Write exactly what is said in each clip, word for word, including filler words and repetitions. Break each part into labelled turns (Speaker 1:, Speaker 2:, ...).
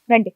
Speaker 1: రండి.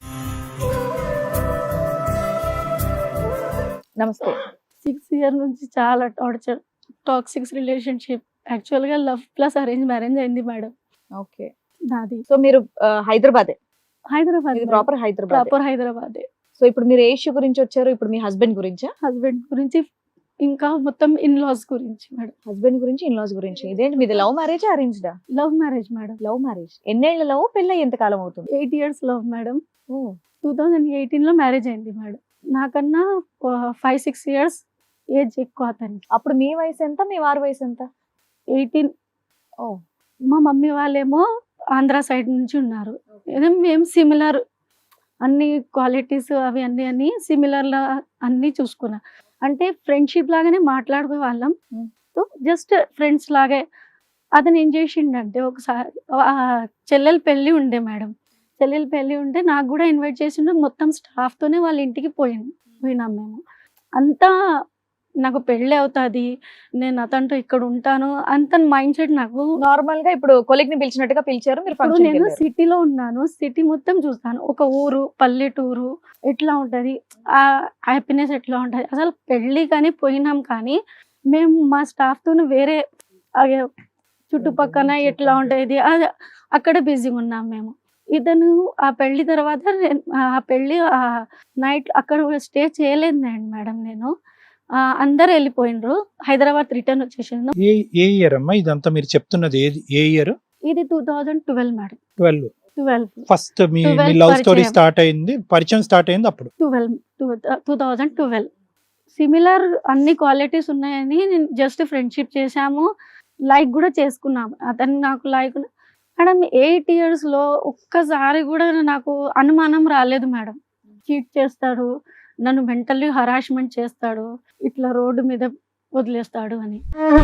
Speaker 1: నమస్తే.
Speaker 2: Six year నుంచి చాలా టార్చర్, టాక్సిక్స్ రిలేషన్షిప్. యాక్చువల్గా లవ్ ప్లస్ అరేంజ్ మ్యారేజ్ అయింది మేడం
Speaker 1: ఓకే.
Speaker 2: నాది.
Speaker 1: సో మీరు ఆ, హైదరాబాదే,
Speaker 2: హైదరాబాద్,
Speaker 1: ఇది ప్రాపర్ హైదరాబాద్.
Speaker 2: ప్రాపర్ హైదరాబాదే.
Speaker 1: సో ఇప్పుడు మీరు ఏ ఇష్యూ గురించి వచ్చారు? ఇప్పుడు మీ హస్బెండ్ గురించా?
Speaker 2: హస్బెండ్ గురించి, ఇంకా మొత్తం ఇన్ లాస్ గురించి మేడం.
Speaker 1: హస్బెండ్ గురించి, ఇన్ లాస్ గురించి. ఇదేంటి మీది లవ్ మ్యారేజ్ అరేంజ్డా?
Speaker 2: Love marriage madam.
Speaker 1: Love marriage. ఎన్నేళ్ల లవ్? పెళ్ళి ఎంత కాలం అవుతుంది?
Speaker 2: Eight years love madam.
Speaker 1: ఓ,
Speaker 2: టూ థౌజండ్ ఎయిటీన్ లో మ్యారేజ్ అయింది మేడం. నాకన్నా ఫైవ్ సిక్స్ ఇయర్స్ ఏజ్ ఎక్కువ అతనికి.
Speaker 1: అప్పుడు మీ వయసు ఎంత, మీ వారి వయసు ఎంత?
Speaker 2: ఎయిటీన్.
Speaker 1: ఓ,
Speaker 2: మా మమ్మీ వాళ్ళేమో ఆంధ్ర సైడ్ నుంచి ఉన్నారు. ఏదో మేము సిమిలర్, అన్ని క్వాలిటీస్ అవి అన్ని అన్ని సిమిలర్ లా అన్ని చూసుకున్నా. అంటే ఫ్రెండ్షిప్ లాగానే మాట్లాడుకునే వాళ్ళం.
Speaker 1: Hmm.
Speaker 2: సో జస్ట్ ఫ్రెండ్స్ లాగే. అతను ఏం చేసిండంటే ఒకసారి ఆ చెల్లెల పెళ్ళి ఉండే మేడం. చెల్లెల పెళ్ళి ఉంటే నాకు కూడా ఇన్వైట్ చేసిండు. మొత్తం స్టాఫ్ తోనే వాళ్ళ ఇంటికి పోయింది పోయినాం మేము. అంతా నాకు పెళ్ళి అవుతుంది, నేను అతనితో ఇక్కడ ఉంటాను అంత మైండ్ సెట్ నాకు.
Speaker 1: నార్మల్ గా ఇప్పుడు కొలిగ్ ని పిలిచినట్టుగా పిలిచారు మీరు.
Speaker 2: ఇప్పుడు
Speaker 1: ఫంక్షన్
Speaker 2: నేను సిటీలో ఉన్నాను, సిటీ మొత్తం చూస్తాను. ఒక ఊరు, పల్లెటూరు ఎట్లా ఉంటది, ఆ హ్యాపీనెస్ ఎట్లా ఉంటది. అసలు పెళ్ళి కానీ పోయినాం కానీ మేము మా స్టాఫ్ తోనే వేరే ఆ చుట్టుపక్కల ఎట్లా ఉంటది అది అక్కడ బిజీగా ఉన్నాం మేము. ఇతను ఆ పెళ్లి తర్వాత నేను- ఆ పెళ్లి ఆ నైట్ అక్కడ స్టే చేయలేదు మేడం నేను. ఆ, అందరు వెళ్ళిపోయినరు, హైదరాబాద్ రిటర్న్ వచ్చేసిండు.
Speaker 3: ఏ ఏ ఇయర్ అమ్మా ఇదంతా మీరు చెప్తున్నది? ఏది ఏ ఇయర్?
Speaker 2: ఇది two thousand twelve madam.
Speaker 3: Twelve.
Speaker 2: Twelve
Speaker 3: first మీ మీ
Speaker 2: twelve
Speaker 3: లవ్ స్టోరీ
Speaker 2: పరిచయం.
Speaker 3: స్టార్ట్ అయింది, పరిచయం స్టార్ట్ అయింది అప్పుడు.
Speaker 2: Twelve two thousand twelve. Similar అన్ని క్వాలిటీస్ ఉన్నాయని నేను జస్ట్ ఫ్రెండ్షిప్ చేశాము, లైక్ కూడా చేసుకున్నాము. అతను నాకు లైక్ మేడం. ఎయిట్ ఇయర్స్ లో ఒక్కసారి కూడా నాకు అనుమానం రాలేదు మేడం. చీట్ చేస్తాడు, నన్ను మెంటల్లీ హరాస్మెంట్ చేస్తాడు, ఇట్లా రోడ్డు మీద వదిలేస్తాడు అని.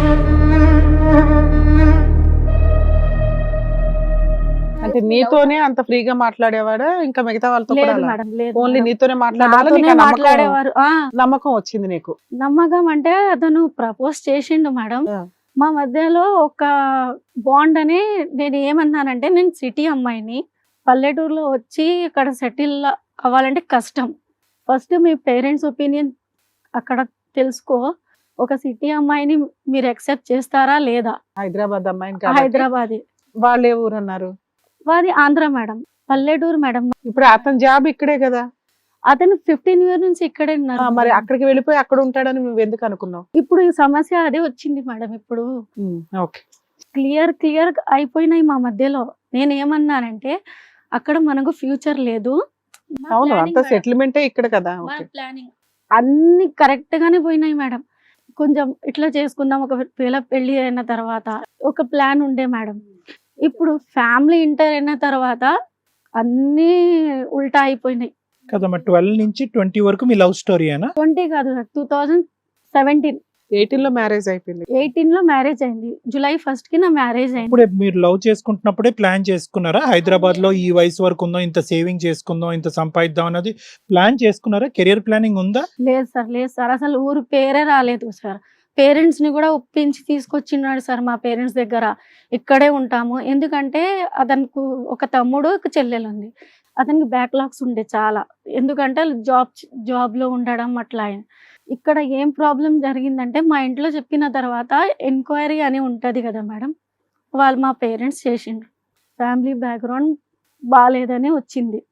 Speaker 4: అంటే నీతోనే అంత ఫ్రీగా మాట్లాడేవాడా ఇంకా మిగతా వాళ్ళతో కూడా
Speaker 2: లేదు
Speaker 4: అలా?
Speaker 2: మేడం, లేదు
Speaker 4: ఓన్లీ
Speaker 2: మేడం.
Speaker 4: నీతోనే మాట్లాడాలా?
Speaker 2: నాతోనే
Speaker 4: నీకు ఆ నమ్మకం
Speaker 2: మాట్లాడేవారు. ఆ
Speaker 4: నమ్మకం వచ్చింది నీకు?
Speaker 2: నమ్మకం అంటే అతను ప్రపోజ్ చేసిండు మేడం.
Speaker 4: ఆ.
Speaker 2: మా మధ్యలో ఒక బాండ్ అని. నేను ఏమన్నానంటే, నేను సిటీ అమ్మాయిని, పల్లెటూరులో వచ్చి ఇక్కడ సెటిల్ అవ్వాలంటే కష్టం. ఫస్ట్ మీ పేరెంట్స్ ఒపీనియన్ అక్కడ తెలుసుకో. ఒక సిటీ అమ్మాయిని మీరు యాక్సెప్ట్ చేస్తారా లేదా?
Speaker 4: హైదరాబాద్ అమ్మాయిని కాబట్టి.
Speaker 2: హైదరాబాద్.
Speaker 4: వాళ్ళు ఏ ఊరు అన్నారు?
Speaker 2: వాది ఆంధ్ర మేడం, పల్లెటూరు మేడం.
Speaker 4: ఇప్పుడు అతని జాబ్ ఇక్కడే కదా.
Speaker 2: అతను ఫిఫ్టీన్ ఇయర్ నుంచి ఇక్కడే
Speaker 4: ఆ,
Speaker 2: ఉన్నారు.
Speaker 4: మరి అక్కడికి వెళ్ళిపోయి అక్కడ ఉంటాడని నువ్వు ఎందుకు అనుకున్నావు?
Speaker 2: ఇప్పుడు ఈ సమస్య అదే వచ్చింది మేడం. ఇప్పుడు
Speaker 4: ఓకే.
Speaker 2: క్లియర్ క్లియర్ అయిపోయినాయి మా మధ్యలో. నేను ఏమన్నానంటే, అక్కడ మనకు ఫ్యూచర్ లేదు. మా
Speaker 4: అవును,
Speaker 2: planning
Speaker 4: అంత
Speaker 2: మేడం.
Speaker 4: సెటిల్మెంటే ఇక్కడ కదా.
Speaker 2: మా
Speaker 4: ఓకే.
Speaker 2: ప్లానింగ్ అన్ని కరెక్ట్ గానే పోయినాయి మేడం. కొంచెం ఇట్లా చేసుకుందాం ఒకవేళ పెళ్లి అయిన తర్వాత ఒక ప్లాన్ ఉండే మేడం. ఇప్పుడు ఫ్యామిలీ ఇంటర్ అయిన తర్వాత అన్ని ఉల్టా అయిపోయినాయి.
Speaker 3: కదమ్మా, ట్వెల్వ్ నుంచి ట్వంటీ వరకు మీ లవ్ స్టోరీయేనా?
Speaker 2: ట్వంటీ కాదు, టూ థౌజండ్ సెవెంటీన్
Speaker 4: ఎయిటీన్ లో మ్యారేజ్ అయిపోయింది.
Speaker 2: ఎయిటీన్ లో మ్యారేజ్ అయింది. జూలై ఫస్ట్ కి నా మ్యారేజ్ అయింది.
Speaker 3: ఇప్పుడే మీరు లవ్ చేసుకుంటున్నప్పుడే ప్లాన్ చేసుకున్నారా? హైదరాబాద్ లో ఈ వయసు వరకు ఉందో, ఇంత సేవింగ్ చేసుకుందాం, ఇంత సంపాదిద్దాం అన్నది ప్లాన్ చేసుకున్నారా? కెరియర్ ప్లానింగ్ ఉందా?
Speaker 2: లేదు సార్, లేదు సార్. అసలు ఊరు పేరే రాలేదు సార్. పేరెంట్స్ ని కూడా ఒప్పించి తీసుకొచ్చినాడు సార్ మా పేరెంట్స్ దగ్గర. ఇక్కడే ఉంటాము, ఎందుకంటే అతనికి ఒక తమ్ముడు ఒక చెల్లెలు ఉంది. అతనికి బ్యాక్లాగ్స్ ఉండే చాలా, ఎందుకంటే జాబ్ జాబ్ లో ఉండడం అట్లా. ఆయన ఇక్కడ ఏం ప్రాబ్లం జరిగిందంటే, మా ఇంట్లో చెప్పిన తర్వాత ఎంక్వైరీ అని ఉంటది కదా మేడం, వాళ్ళు మా పేరెంట్స్ చేసిండ్రు. ఫ్యామిలీ బ్యాక్గ్రౌండ్ బాగాలేదని వచ్చింది,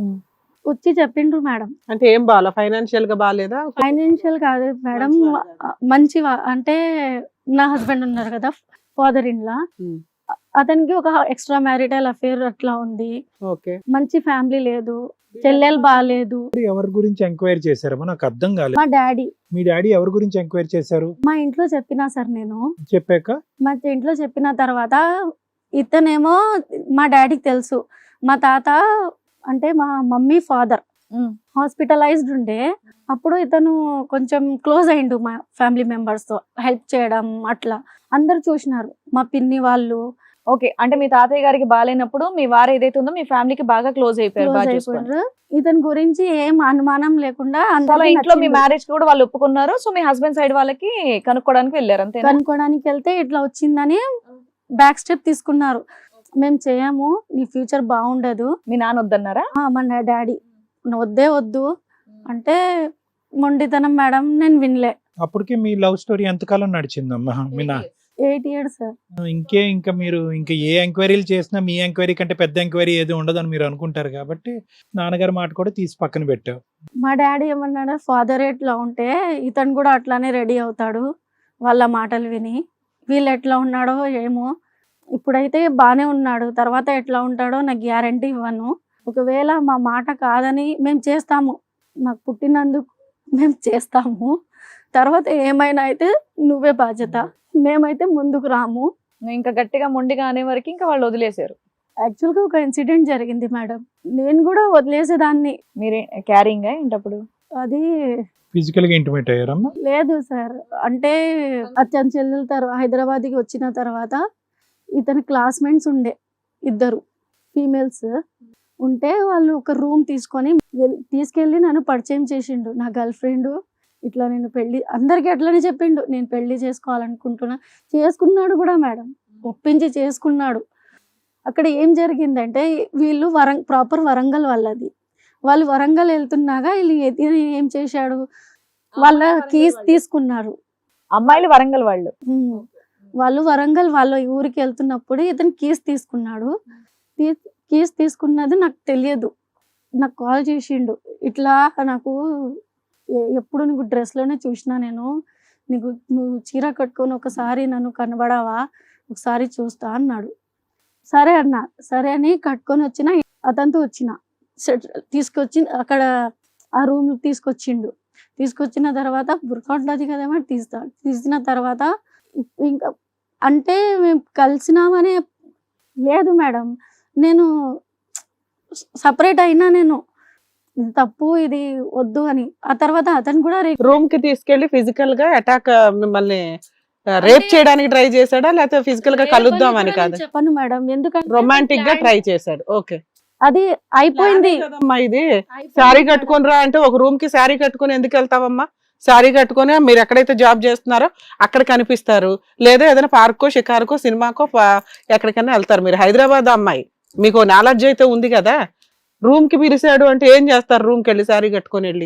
Speaker 2: వచ్చి చెప్పిండ్రు మేడం.
Speaker 4: అంటే ఏం బాగా ఫైనాన్షియల్ గా బాగాలేదా?
Speaker 2: ఫైనాన్షియల్ కాదు మేడం, మంచి వా- అంటే నా హస్బెండ్ ఉన్నారు కదా, ఫాదర్ ఇన్ లా,
Speaker 4: Hmm.
Speaker 2: అతనికి ఒక ఎక్స్ట్రా మ్యారిటల్ అఫేర్ అట్లా ఉంది.
Speaker 4: ఓకే.
Speaker 2: మంచి ఫ్యామిలీ లేదు, చెల్లెలు బాగాలేదు.
Speaker 3: ఎవరి గురించి ఎంక్వైరీ చేశారమ్మా? నాకు అర్థం కాలేదు.
Speaker 2: మా డాడీ
Speaker 3: మీ డాడీ ఎవరి గురించి ఎంక్వైరీ చేశారు?
Speaker 2: మా ఇంట్లో చెప్పినా సార్ నేను.
Speaker 3: చెప్పాక
Speaker 2: మా ఇంట్లో చెప్పిన తర్వాత ఇతనేమో మా డాడీకి తెలుసు. మా తాత అంటే మా మమ్మీ ఫాదర్ హాస్పిటలైజ్డ్ ఉండే. అప్పుడు ఇతను కొంచెం క్లోజ్ అయిండు మా ఫ్యామిలీ మెంబర్స్ తో, హెల్ప్ చేయడం అట్లా. అందరు చూసినారు, మా పిన్ని వాళ్ళు.
Speaker 1: ఓకే, అంటే మీ తాతయ్య గారికి బాగాలేనప్పుడు మీ వారు ఏదైతే ఉందో మీ ఫ్యామిలీకి బాగా క్లోజ్ అయిపోయారు,
Speaker 2: క్లోజ్
Speaker 1: బాగా చూసుకోండి.
Speaker 2: అయిపోయారు. ఇతని గురించి ఏం అనుమానం లేకుండా
Speaker 1: అసలు
Speaker 2: అందరికీ
Speaker 1: ఇంట్లో మీ
Speaker 2: నచ్చింది.
Speaker 1: మ్యారేజ్ కూడా వాళ్ళు ఒప్పుకున్నారు. సో మీ హస్బెండ్ సైడ్ వాళ్ళకి కనుక్కోవడానికి వెళ్ళారు అంతే.
Speaker 2: కనుక్కోడానికి వెళ్తే ఇట్లా వచ్చిందని బ్యాక్ స్టెప్ తీసుకున్నారు. మేము చేయము, నీ ఫ్యూచర్ బాగుండదు.
Speaker 1: మీ నాన్న వద్దన్నారా?
Speaker 2: ఆ, మా డాడీ వద్దే వద్దు అంటే మొండితనం మేడం, నేను వినలే.
Speaker 3: అప్పటికే మీ లవ్ స్టోరీ ఎంతకాలం నడిచిందమ్మా? మీ నా
Speaker 2: ఎయిట్ ఇయర్స్ సార్.
Speaker 3: ఇంకే ఇంకా మీరు ఇంకా ఏ ఎంక్వైరీలు చేసినా మీ ఎంక్వైరీ కంటే పెద్ద ఎంక్వైరీ ఏది ఉండదని మీరు అనుకుంటారు కాబట్టి నాన్నగారి మాట కూడా తీసి పక్కన పెట్టావు.
Speaker 2: మా డాడీ ఏమన్నాడు, ఫాదర్ ఎట్లా ఉంటే ఇతను కూడా అట్లానే రెడీ అవుతాడు వాళ్ళ మాటలు విని. వీళ్ళు ఎట్లా ఉన్నాడో ఏమో, ఇప్పుడైతే బాగానే ఉన్నాడు, తర్వాత ఎట్లా ఉంటాడో నాకు గ్యారంటీ ఇవ్వను. ఒకవేళ మా మాట కాదని మేము చేస్తాము, మాకు పుట్టినందుకు మేము చేస్తాము, తర్వాత ఏమైనా అయితే నువ్వే బాధ్యత, మేమైతే ముందుకు రాము.
Speaker 1: నువ్వు ఇంకా గట్టిగా మొండిగా అనే వరకు ఇంకా వాళ్ళు వదిలేశారు.
Speaker 2: యాక్చువల్గా ఒక ఇన్సిడెంట్ జరిగింది మేడం, నేను కూడా వదిలేసేదాన్ని.
Speaker 1: మీరే క్యారింగ్ ఏంటప్పుడు?
Speaker 2: అది
Speaker 3: ఫిజికల్ గా ఇంటిమేట్ అయ్యారమ్మా?
Speaker 2: లేదు సార్, అంటే అతని చెల్లెల తర్వాత హైదరాబాద్కి వచ్చిన తర్వాత ఇతని క్లాస్మేట్స్ ఉండే ఇద్దరు ఫీమేల్స్ ఉంటే, వాళ్ళు ఒక రూమ్ తీసుకొని వెల్- తీసుకెళ్ళి నన్ను పరిచయం చేసిండు. నా గర్ల్ ఫ్రెండ్ ఇట్లా నేను పెళ్లి, అందరికీ అట్లనే చెప్పిండు, నేను పెళ్లి చేసుకోవాలనుకుంటున్నా. చేసుకున్నాడు కూడా మేడం, ఒప్పించి చేసుకున్నాడు. అక్కడ ఏం జరిగిందంటే, వీళ్ళు వరం ప్రాపర్ వరంగల్ వాళ్ళది. వాళ్ళు వరంగల్ వెళ్తున్నాగా వీళ్ళు ఇతను ఏం చేశాడు, వాళ్ళ కీస్ తీసుకున్నారు.
Speaker 1: అమ్మాయిలు వరంగల్ వాళ్ళు.
Speaker 2: ఉమ్. వాళ్ళు వరంగల్ వాళ్ళ ఊరికి వెళ్తున్నప్పుడు ఇతను కీస్ తీసుకున్నాడు. తీ- కీస్ తీసుకున్నది నాకు తెలియదు, నాకు కాల్ చేసిండు. ఇట్లా నాకు ఎ- ఎప్పుడు నీకు డ్రెస్లోనే చూసినా నేను, నీకు నువ్వు చీర కట్టుకొని ఒకసారి నన్ను కనబడావా, ఒకసారి చూస్తా అన్నాడు. సరే అన్నా, సరే అని కట్టుకొని వచ్చిన, అతనితో వచ్చిన సెట్ తీసుకొచ్చి అక్కడ ఆ రూమ్ తీసుకొచ్చిండు. తీసుకొచ్చిన తర్వాత బుర్కా ఉంటుంది కదేమో తీస్తా, తీసిన తర్వాత ఇప్- ఇంకా అంటే మేము కలిసినామనే లేదు మేడం, నేను సపరేట్ అయినా, నేను ఇది తప్పు, ఇది వద్దు అని. ఆ తర్వాత అతను కూడా రే-
Speaker 4: రూమ్ కి తీసుకెళ్లి ఫిజికల్ గా అటాక్ మిమ్మల్ని రేప్ చేయడానికి ట్రై చేశాడా, లేకపోతే ఫిజికల్ గా కలుద్దాం అని
Speaker 2: కూడా
Speaker 4: కాదు,
Speaker 2: నేను చెప్పను మేడం, ఎందుకంటే
Speaker 4: రొమాంటిక్ గా
Speaker 2: plan-
Speaker 4: ట్రై చేశాడు. ఓకే,
Speaker 2: అది అయిపోయింది.
Speaker 4: కదమ్మా ఇది. శారీ కట్టుకొని రా అంటే ఒక రూమ్ కి శారీ కట్టుకొని ఎందుకు వెళ్తావమ్మా? శారీ కట్టుకొని మీరు ఎక్కడైతే జాబ్ చేస్తున్నారో అక్కడ కనిపిస్తారు, లేదా ఏదైనా పార్కో షికారుకో సినిమాకో పా- ఎక్కడికైనా వెళ్తారు. మీరు హైదరాబాద్ అమ్మాయి, మీకు నాలెడ్జ్ అయితే ఉంది కదా. రూమ్ కి పిలిచాడు అంటే ఏం చేస్తారు? రూమ్ కి వెళ్ళి శారీ కట్టుకొని వెళ్ళి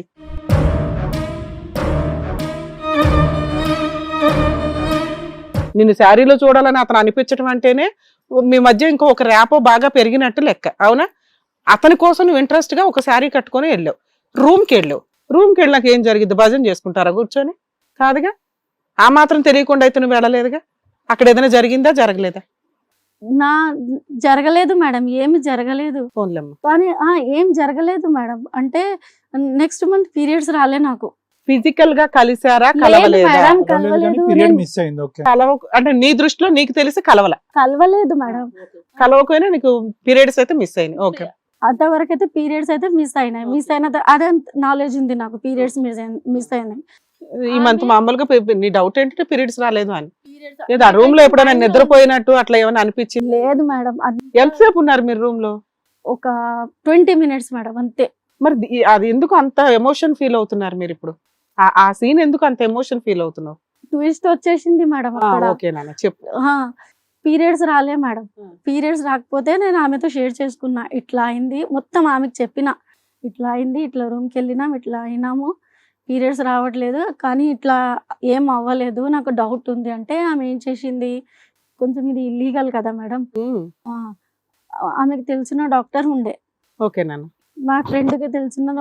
Speaker 4: నిన్ను శారీలో చూడాలని అతను అనిపించడం అంటేనే మీ మధ్య ఇంకో ఒక ర్యాపో బాగా పెరిగినట్టు లెక్క, అవునా? అతని కోసం నువ్వు ఇంట్రెస్ట్ గా ఒక శారీ కట్టుకొని వెళ్ళావు, రూమ్ కి వెళ్ళావు. రూమ్ కి వెళ్ళాక ఏం జరిగింది? భజన చేసుకుంటారా కూర్చొని? కాదుగా. ఆ మాత్రం తెలియకుండా అయితే నువ్వు వెళ్ళలేదుగా. అక్కడ ఏదైనా జరిగిందా, జరగలేదా?
Speaker 2: నా జరగలేదు మేడం, ఏమి జరగలేదు.
Speaker 4: ఫోన్లమ్మ,
Speaker 2: కానీ ఆ ఏం జరగలేదు మేడం, అంటే నెక్స్ట్ మంత్ పీరియడ్స్ రాలే నాకు.
Speaker 4: ఫిజికల్ గా కలిసారా,
Speaker 2: లేదు
Speaker 4: కలవలేదా?
Speaker 2: మేడం, కలవలేదు.
Speaker 3: పీరియడ్
Speaker 2: నేను
Speaker 3: మిస్ అయింది. ఓకే.
Speaker 4: కలవ అంటే నీ దృష్టిలో నీకు తెలిసి కలవల,
Speaker 2: కలవలేదు మేడం.
Speaker 4: కలవకపోయినా నీకు పీరియడ్స్ అయితే మిస్ అయింది. ఓకే,
Speaker 2: అంతవరకు అయితే పీరియడ్స్ అయితే మిస్ అయినాయి. మిస్ అయిన త- అదే నాలెడ్జ్ ఉంది నాకు, పీరియడ్స్ మిస్ మిస్ అయినాయి.
Speaker 4: ఈ మంత్ మామూలుగా పి- నీ డౌట్ ఏంటంటే పీరియడ్స్ రాలేదు అని. లేదా ఆ రూమ్ లో ఎప్పుడైనా నిద్రపోయినట్టు అట్లా ఏమైనా అనిపించింది?
Speaker 2: లేదు మేడం, అది
Speaker 4: ఎంతసేపు ఉన్నారు మీరు రూమ్ లో?
Speaker 2: ఒక ట్వంటీ మినిట్స్ మేడం, అంతే.
Speaker 4: మరి ది- అది ఎందుకు అంత ఎమోషన్ ఫీల్ అవుతున్నారు మీరు ఇప్పుడు? ఆ- ఆ సీన్ ఎందుకు అంత ఎమోషన్ ఫీల్ అవుతున్నావు?
Speaker 2: ట్విస్ట్ వచ్చేసింది మేడం అక్కడ.
Speaker 4: ఓకే నాన్న చెప్పు.
Speaker 2: పీరియడ్స్ రాలే మేడం.
Speaker 4: Hmm.
Speaker 2: పీరియడ్స్ రాకపోతే నేను ఆమెతో షేర్ చేసుకున్నా, ఇట్లా అయింది మొత్తం ఆమెకు చెప్పిన, ఇట్లా అయింది, ఇట్లా రూమ్కి వెళ్ళినాం, ఇట్లా అయినాము, పీరియడ్స్ రావట్లేదు, కానీ ఇట్లా ఏం అవ్వలేదు, నాకు డౌట్ ఉంది అంటే ఆమె ఏం చేసింది, కొంచెం ఇది ఇల్లీగల్ కదా మేడం.
Speaker 4: ఉమ్,
Speaker 2: ఆ, ఆమెకు తెలిసిన డాక్టర్ ఉండే,
Speaker 4: ఓకే నాన్న.
Speaker 2: మా ఫ్రెండ్కి తెలిసిన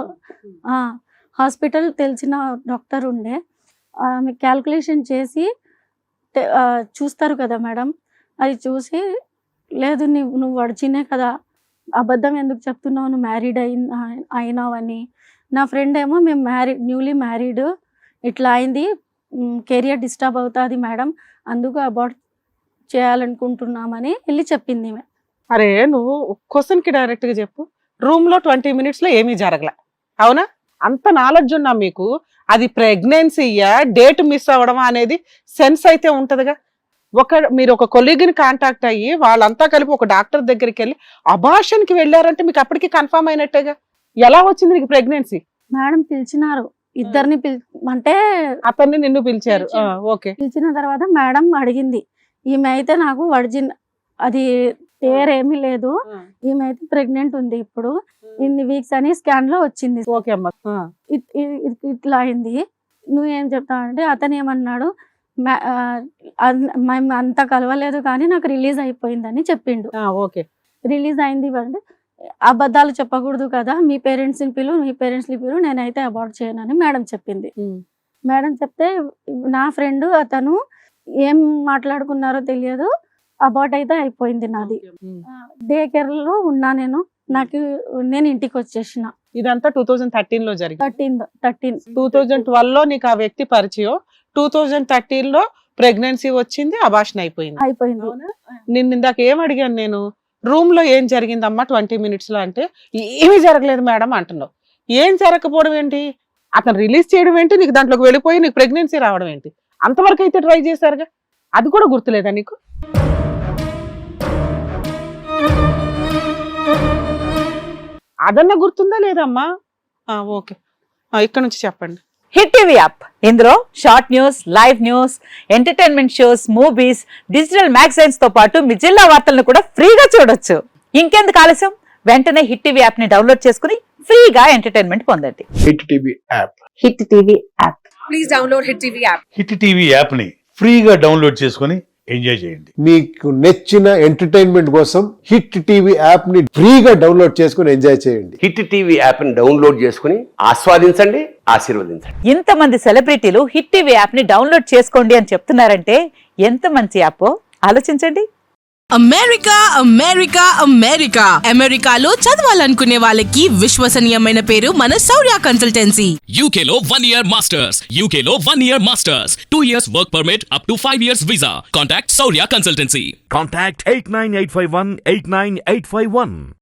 Speaker 2: హాస్పిటల్ తెలిసిన డాక్టర్ ఉండే, ఆమె క్యాల్కులేషన్ చేసి తె- ఆ, చూస్తారు కదా మేడం, అది చూసి లేదు నువ్వు నువ్వు వడిచినే కదా, అబద్ధం ఎందుకు చెప్తున్నావు, నువ్వు మ్యారీడ్ అయిన అయినావని. నా ఫ్రెండ్ ఏమో మేము మ్యారీడ్, న్యూలీ మ్యారీడ్, ఇట్లా అయింది, కెరియర్ డిస్టర్బ్ అవుతుంది మేడం, అందుకు అబార్ట్ చేయాలనుకుంటున్నామని వెళ్ళి చెప్పింది ఈమె.
Speaker 4: అరే నువ్వు క్వశ్చన్ కి డైరెక్ట్ గా చెప్పు. రూమ్ లో ట్వంటీ మినిట్స్ లో ఏమీ జరగల, అవునా? అంత నాలెడ్జ్ ఉన్నా మీకు అది ప్రెగ్నెన్సీయా, డేట్ మిస్ అవ్వడమా అనేది సెన్స్ అయితే ఉంటదిగా. ఒక మీరు ఒక కొలీగ్ని కాంటాక్ట్ అయ్యి వాళ్ళంతా కలిపి ఒక డాక్టర్ దగ్గరికి వెళ్ళి అబార్షన్ కి వెళ్ళారంటే మీకు అప్పటికి కన్ఫర్మ్ అయినట్టేగా. ఎలా వచ్చింది నీకు ప్రెగ్నెన్సీ?
Speaker 2: మేడం పిలిచినారు, ఇద్దరిని పిలి అంటే
Speaker 4: అతన్ని నిన్ను పిలిచారు.
Speaker 2: పిలిచారు.
Speaker 4: ఓకే,
Speaker 2: పిలిచిన తర్వాత మేడం అడిగింది, ఈమె అయితే నాకు వర్జిన్ అది పేరు ఏమీ లేదు. ఈమె అయితే ప్రెగ్నెంట్ ఉంది ఇప్పుడు, ఇన్ని వీక్స్ అని స్కాన్ లో వచ్చింది.
Speaker 4: ఓకే అమ్మా. ఆ.
Speaker 2: ఇట్- ఇ- ఇ- ఇట్లా అయింది. నువ్వేం చెప్తావు అంటే అతను ఏమన్నాడు, "మ్యా- ఆ, అన్- మేము అంత కలవలేదు కానీ నాకు రిలీజ్ అయిపోయిందని చెప్పిండు.
Speaker 4: ఆ, ఓకే.
Speaker 2: రిలీజ్ అయింది అంటే అబద్ధాలు చెప్పకూడదు కదా, మీ పేరెంట్స్ని పిలు, మీ పేరెంట్స్ని పిలు, నేనైతే అబార్ట్ చేయనని మేడం చెప్పింది.
Speaker 4: ఉమ్.
Speaker 2: మేడం చెప్తే నా ఫ్రెండ్ అతను ఏం మాట్లాడుకున్నారో తెలియదు, అబార్ట్ అయితే అయిపోయింది నాది.
Speaker 4: ఉమ్.
Speaker 2: డే కేర్ లో ఉన్నా నేను, నాకు నేను ఇంటికి వచ్చేసిన.
Speaker 4: ఇదంతా టూ థౌజండ్ థర్టీన్ లో జరిగింది.
Speaker 2: Thirteen thirteen
Speaker 4: two thousand twelve లో నీకు ఆ వ్యక్తి పరిచయం, టూ థౌజండ్ థర్టీన్ లో ప్రెగ్నెన్సీ వచ్చింది, అబార్షన్ అయిపోయింది.
Speaker 2: అయిపోయింది.
Speaker 4: అవునా? నిన్న ఇందాక ఏం అడిగాను నేను, రూమ్ లో ఏం జరిగిందమ్మా ట్వంటీ మినిట్స్ లో అంటే ఏమీ జరగలేదు మేడం అంటున్నావు. ఏం జరగకపోవడం ఏంటి, అతను రిలీజ్ చేయడం ఏంటి, నీకు దాంట్లోకి వెళ్ళిపోయి నీకు ప్రెగ్నెన్సీ రావడం ఏంటి, అంతవరకు అయితే ట్రై చేశారుగా, అది కూడా గుర్తులేదా నీకు? అదన్నా గుర్తుందా లేదమ్మా? ఆ, ఓకే. ఆ, ఇక్కడ నుంచి చెప్పండి.
Speaker 5: హిట్ టీవీ యాప్, ఇందులో short news, live news, entertainment shows, movies, digital magazines తో పాటు మీ జిల్లా వార్తలను కూడా ఫ్రీగా చూడొచ్చు. ఇంకెందుకు ఆలస్యం, వెంటనే హిట్ టీవీ యాప్ ని డౌన్లోడ్ చేసుకుని ఫ్రీగా ఎంటర్టైన్మెంట్ పొందండి.
Speaker 6: Hit TV app
Speaker 5: hit TV app.
Speaker 7: Hit TV యాప్ని ఫ్రీగా డౌన్లోడ్ చేసుకొని ఎంజాయ్ చేయండి.
Speaker 6: మీకు నచ్చిన ఎంటర్టైన్మెంట్ కోసం హిట్ టీవీ యాప్ ని ఫ్రీగా డౌన్లోడ్ చేసుకుని ఎంజాయ్ చేయండి.
Speaker 8: హిట్ టీవీ యాప్ని డౌన్లోడ్ చేసుకుని ఆస్వాదించండి, ఆశీర్వదించండి.
Speaker 5: ఇంతమంది సెలబ్రిటీలు హిట్ టీవీ యాప్ ని డౌన్లోడ్ చేసుకోండి అని చెప్తున్నారంటే ఎంత మంచి యాప్ ఆలోచించండి.
Speaker 9: అమెరికా అమెరికా అమెరికా అమెరికాలో చదవాలనుకునే వాళ్ళకి విశ్వసనీయమైన పేరు మన శౌర్య కన్సల్టెన్సీ.
Speaker 10: U K లో one year masters, U K లో one year masters, two years work permit up to five years visa. Contact Saurya Consultancy.
Speaker 11: Contact eight nine eight five one eight nine eight five one.